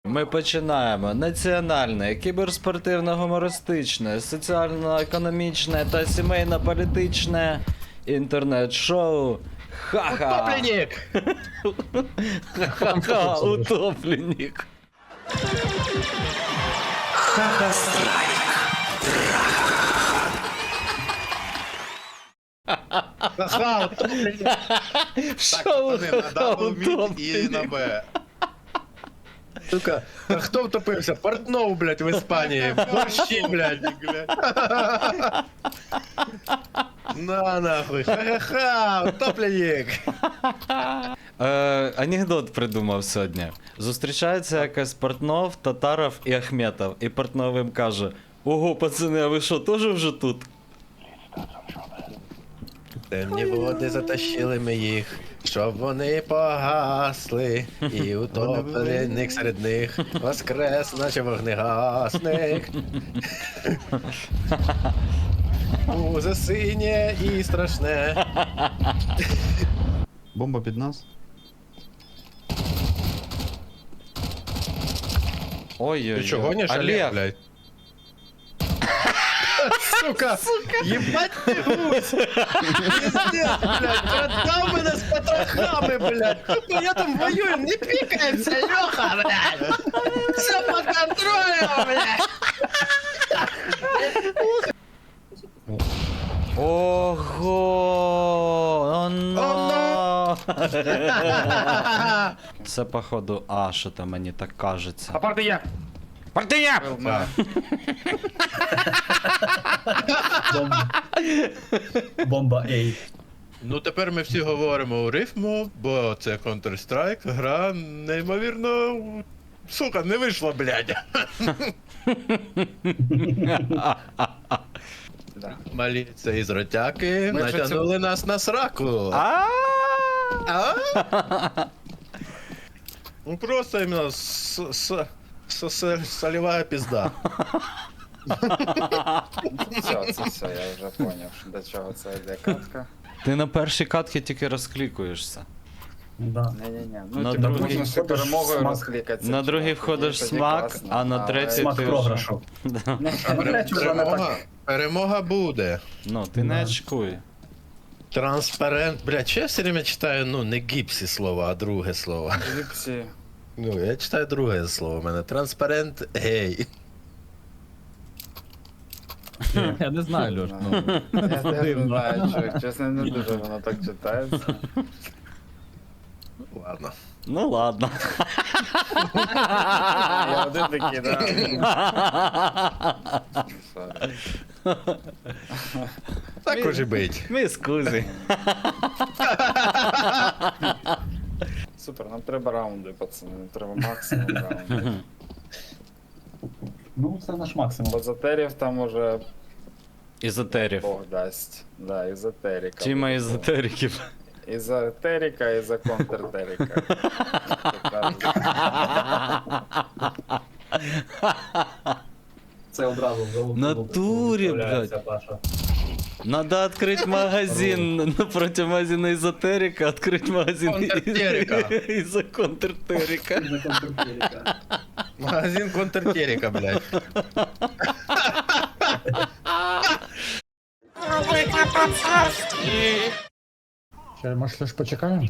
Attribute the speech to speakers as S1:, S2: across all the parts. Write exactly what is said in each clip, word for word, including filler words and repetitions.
S1: Ми починаємо національне, кіберспортивно-гумористичне, соціально-економічне та сімейно-політичне інтернет-шоу Ха-ха!
S2: Утопленник!
S1: Ха-ха! Утопленник!
S3: Ха-ха-страйк.
S2: Ха-ха, утопленник!
S1: Шоу Ха-ха!
S4: І на
S1: Утопленник!
S4: Б.
S2: Сука, а хто втопився? Портнов, блядь, в Іспанії. Борщі, блядь. На нахуй. Ха-ха-ха, утопленник.
S1: Е, анекдот придумав сьогодні. Зустрічається якась Портнов, Татаров і Ахметов. І Портнов їм каже: ого, пацани, а ви що, теж вже тут?
S2: Темні води затащили ми їх, щоб вони погасли, і утопленик серед них воскрес, наче вогнегасник. Узе синє і страшне.
S4: Бомба під нас.
S1: Ой-ой-ой.
S2: Ти чого гониш, Олег, блядь? Сука, ебать ты гусь! Пиздец, блядь, продал мене з потрохами, блядь! Ну я там воюю, не пикаемся, Леха, блядь! Все под контролем, блядь!
S1: Ого! Оно! Це походу А, що то мені так кажеться.
S5: А партия!
S1: Партія!
S5: Бомба A.
S2: Ну тепер ми всі говоримо у рифму, бо це Counter-Strike, гра неймовірно... Сука, не вийшла, блядь! Малі це із ротяки
S4: Ми вже
S2: натягнули нас на сраку.
S1: А!
S2: А? Ну просто именно с, с, с, с, солевая пизда.
S4: Все, це все, я вже поняв, що до чого це йде катка.
S1: Ти на першій катці тільки розклікуєшся.
S5: Да.
S4: Ні-ні-ні, ну
S1: На
S4: типу,
S1: другий
S4: можна ще
S5: входиш
S4: перемогою
S5: смак.
S4: розкликатися.
S1: На другий
S4: чувак,
S1: входиш
S4: тоді
S1: смак,
S4: класно,
S1: а на
S4: але-
S1: третій
S5: Смак
S1: ти вже...
S5: програшу.
S1: Да.
S5: А на третю вже не
S2: Перемога,
S5: так.
S2: перемога буде.
S1: Ну, ти не
S5: Да.
S1: очкуй.
S2: Транспарент. Бля, че я все время читаю, ну, не гіпсі слово, а друге слово.
S4: Гіпсі.
S2: Ну, я читаю друге слово у мене. Транспарент гей.
S6: Я не знаю, Льош. Ну,
S4: Я теж не
S6: дивно.
S4: знаю, чого, чесно, не дуже воно так читається.
S2: Ладно.
S1: Ну ладно.
S4: Я один такий, да. Sorry.
S2: Так уже бить.
S1: Мій скузі.
S4: Супер, нам треба раунди, пацани, нам треба максимум раундів.
S5: Ну, це наш максимум.
S4: Базатерів там уже
S1: Ізотерів.
S4: Бог дасть. Да, ізотерика.
S1: Тіма
S4: буде.
S1: ізотериків.
S4: Ізотерика і за контртерика.
S5: Це одразу в голову.
S1: Натурі,
S5: вставляється, Паша.
S1: Надо открыть магазин напротив магазина эзотерика, открыть магазин
S2: Контртерика.
S1: из-за контртерика.
S5: За контртерика.
S2: Магазин контртерика, блядь.
S7: Ще, може, щось почекаємо?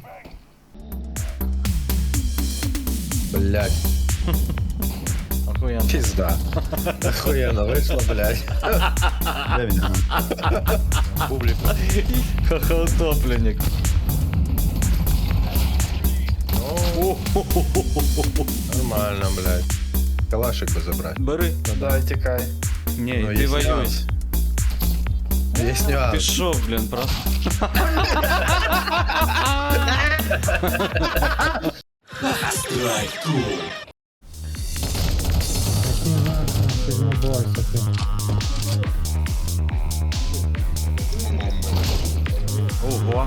S2: Блядь,
S1: Охуенно.
S2: пизда. Охуенно вийшло, блядь.
S6: де він?
S2: Публіку.
S1: Ха-ха, утопленник.
S2: Нормально, блядь. Калашик би забрати.
S1: Бери.
S4: Давай, тікай.
S1: Не,
S2: Ну,
S1: ти
S2: є
S1: воюй.
S2: нюанс. Є нюанс.
S1: Пішов, блін, просто.
S7: Який нахуй сигнобой такий.
S1: Ого.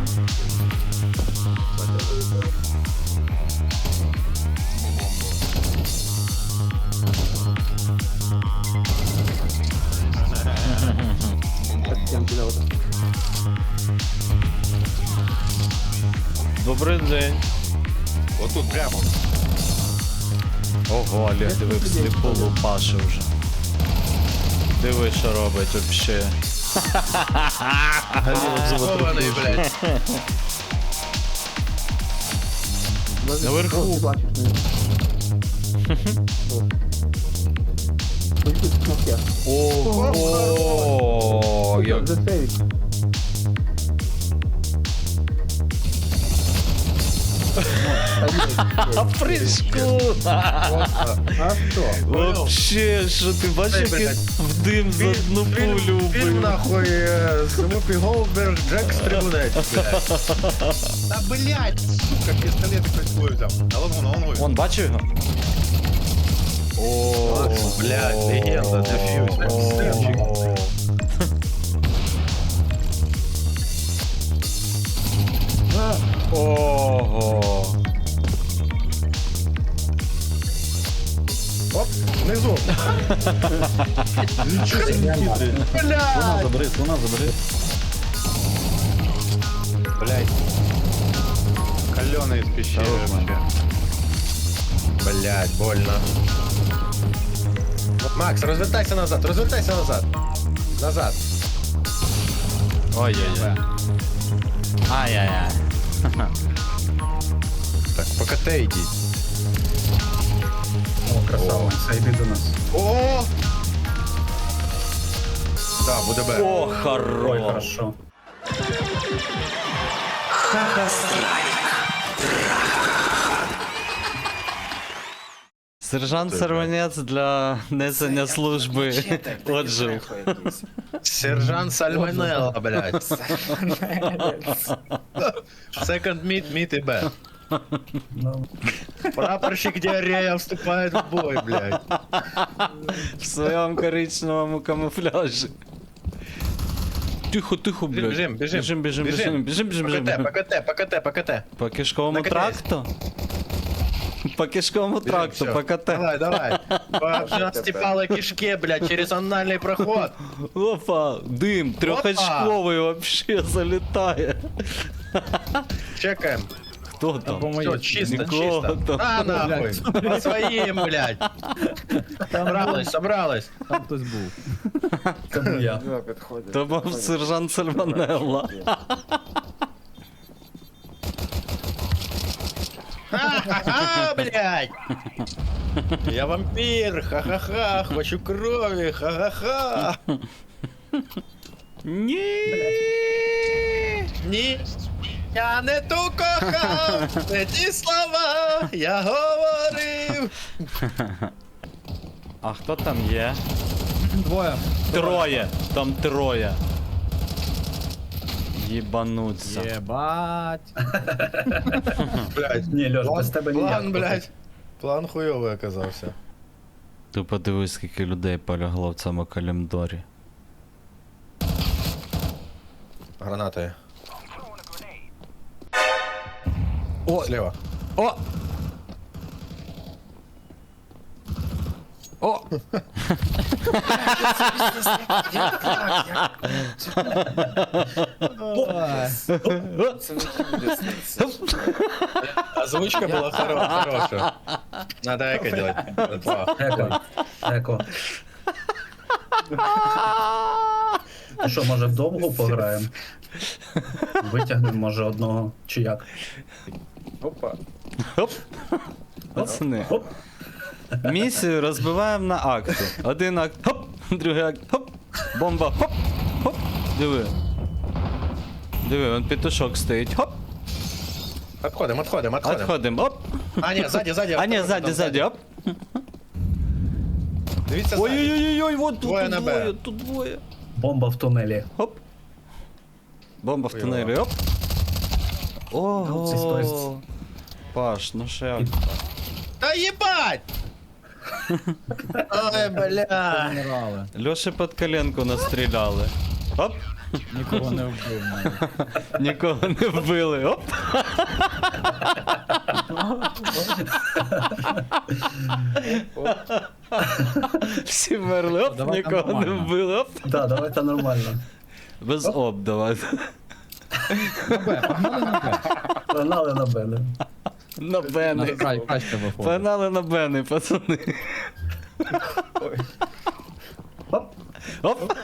S1: Добрий день.
S2: Отут прямо.
S1: Ого, Олег, диви, всліпу лупаши вже. Диви, що робить вообще.
S2: Хований, блядь.
S1: Наверху. Ого, як... А в прыжку!
S7: А що?
S1: Вообще, що ти бачиш, як він в дим за одну пулю
S2: Він
S1: вбив?
S2: нахуй Смупі Голдберг, Джек Стрибунець, блядь. Та блядь, сука, пістолет хтось свой взяв. А вон воно, вон
S1: Вон, бачив його? О,
S2: блядь, легенда, дефьюз, красавчик.
S1: Ого.
S2: Оп, внизу.
S6: Нічого собі хитрий. Слона
S2: Блядь,
S6: забери, слона забери.
S2: блядь. Каленый из пещеры вообще. Блядь, больно. Макс, развертайся назад, развертайся назад. Назад.
S1: Ой-ой-ой. Ай-яй-яй.
S2: Так, по КТ иди.
S5: О, красава. Це йди до нас.
S2: О! Да, буде Б.
S1: О,
S5: Ой,
S1: хорош.
S5: хорошо.
S1: Сержант Сорванець для несення служби отжив.
S2: Сержант Сальванелла, блядь. Second meet, meet и Б.
S5: Ну,
S2: Прапорщик Диарея вступает в бой, блядь.
S1: В своєму коричневому камуфляжі. Тихо, тихо, блядь.
S2: Бежим, бежим.
S1: Біжим, біжим, біжим, біжим, біжим,
S2: По
S1: біжим.
S2: КТ, по КТ, по КТ, по КТ.
S1: По кишковому
S2: Наконец.
S1: тракту? По кишковому
S2: Бежим,
S1: тракту,
S2: всё.
S1: по КТ.
S2: Давай, давай. По обжастепалой кишке, блядь, через анальный проход.
S1: Опа, дим, трьохочковий вообще залітає.
S2: Чекаем.
S1: Хто там?
S2: Все, чисто,
S1: Нікого
S2: чисто.
S1: там.
S2: На, нахуй. По своим, блядь. Собралась, собралась.
S6: Там хтось був.
S5: це був я.
S1: То був сержант Сальванелла.
S2: Ха-ха-ха, блядь. Я вампир, ха-ха-ха, хочу крови, ха-ха-ха.
S1: Ні.
S2: Ні, я не ту кохав, не ті слова я говорив.
S1: А хто там є?
S6: Двоє.
S1: Троє. Там троє. Єбануться.
S6: Єбать.
S2: Блядь,
S5: Ні, Льош, без тебе ніяк.
S2: план, блядь. План хуйовий оказався.
S1: Ти подивись, скільки людей полягло в цьому калімдорі.
S2: Гранати. О, слева.
S1: О! О!
S2: Озвучка была хоро- хорошая. Надо эко делать. Два.
S5: Еко. Еко. Ну що, може вдовго пограємо? Витягнемо, може, одного чи як?
S4: Опа.
S1: Хоп! Пацани.
S5: Хоп.
S1: Місію розбиваємо на акти. Один акт, хоп, другий акт, хоп, бомба, хоп, хоп. Диви. Диви, вон петушок стоїть, хоп,
S2: Отходим, отходим, отходим.
S1: відходимо, оп.
S2: А, ні, ззаді, ззаді.
S1: А ні,
S2: автобус,
S1: ззаді,
S2: там
S1: ззаді, оп.
S2: Дивіться ззаді.
S1: Ой-ой-ой, вот тут
S2: Двоє на Б.
S1: двоє, тут двоє.
S5: Бомба в тунелі.
S1: Хоп. Бомба в
S2: Хуйово.
S1: тунелі, оп.
S5: Це сторіс.
S1: Ого. Паш, ну що як?
S2: Та їбать! Ой, бля.
S6: Помирали.
S1: Льоші під коленку настріляли. Оп.
S6: Нікого не вбив навіть.
S1: Нікого не вбили, оп. Всі мерли, оп,
S6: Давай там
S1: нікого не
S6: нормально.
S1: вбили, оп.
S5: Так, давайте нормально.
S1: Без оп, давай.
S6: На Б, погнали на Б.
S5: Погнали на мене.
S1: На
S6: На
S1: бени.
S6: край краще виходить.
S1: Погнали на бени, пацани.
S5: Оп.
S1: Оп.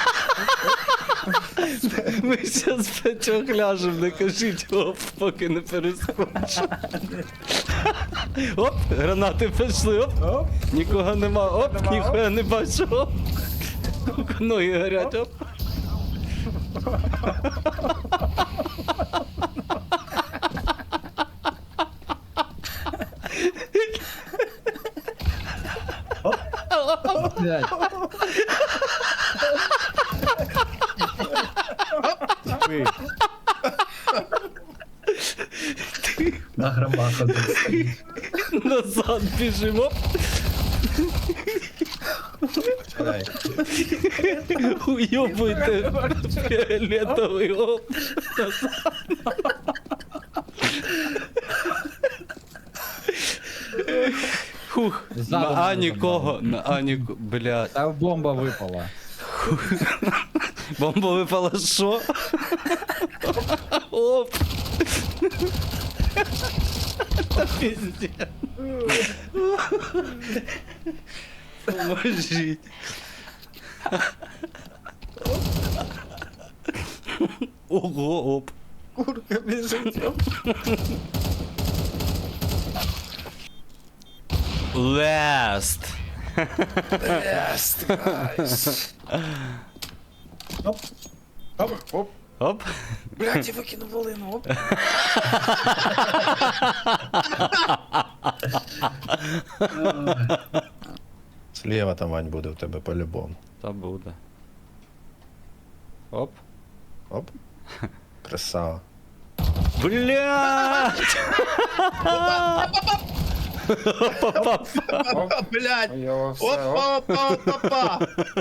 S1: Ми щас п'ятьох ляжем, не кажіть оп, поки не перескочу. Оп, гранати пішли, оп.
S4: Оп.
S1: Нікого нема, оп,
S4: Нема,
S1: ніхуя не бачу, оп. Ноги горять, оп.
S6: Блядь.
S5: На грабах один стоїть.
S1: Назад біжимо, оп. Уйобуйте фіолетовий, оп. Хух,
S6: Ззаду
S1: на А
S6: мене
S1: нікого, на А нікого, блядь.
S6: Та бомба випала.
S1: Бомба випала що? Оп. Пиздец. Поможіть. Ого, оп.
S4: Курка біжить. Оп.
S1: Last.
S4: Yes, guys.
S5: Оп.
S4: Оп, оп.
S1: Оп.
S4: Блядь, я викинув волину, оп.
S7: Слева там Вань буде в тебе по-любому.
S1: Та буде. Оп.
S7: Оп. Красава.
S1: Блядь!
S2: Опа, блядь.
S4: Йо, все, оп.
S2: Опа, опа, опа, опа.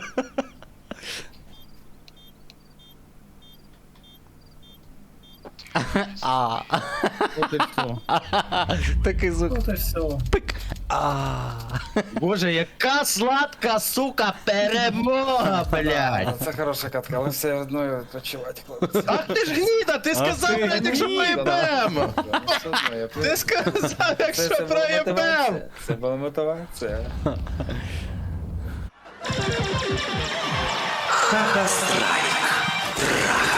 S1: А.
S6: От і все.
S1: Такий звук.
S5: От і все.
S1: А.
S2: Боже, яка сладка, сука, перемога, блядь.
S4: Це хороша катка, але все одно відпочивати, хлопці.
S2: Ах ти ж гніда, ти сказав,
S1: ти
S2: блядь, якщо
S4: гніда.
S2: проєбем.
S4: Все одно, я
S2: Ти сказав,
S4: Це-
S2: якщо
S4: це була
S2: проєбем.
S4: мотивація. Це була мотивація.
S3: Хаха-страйк.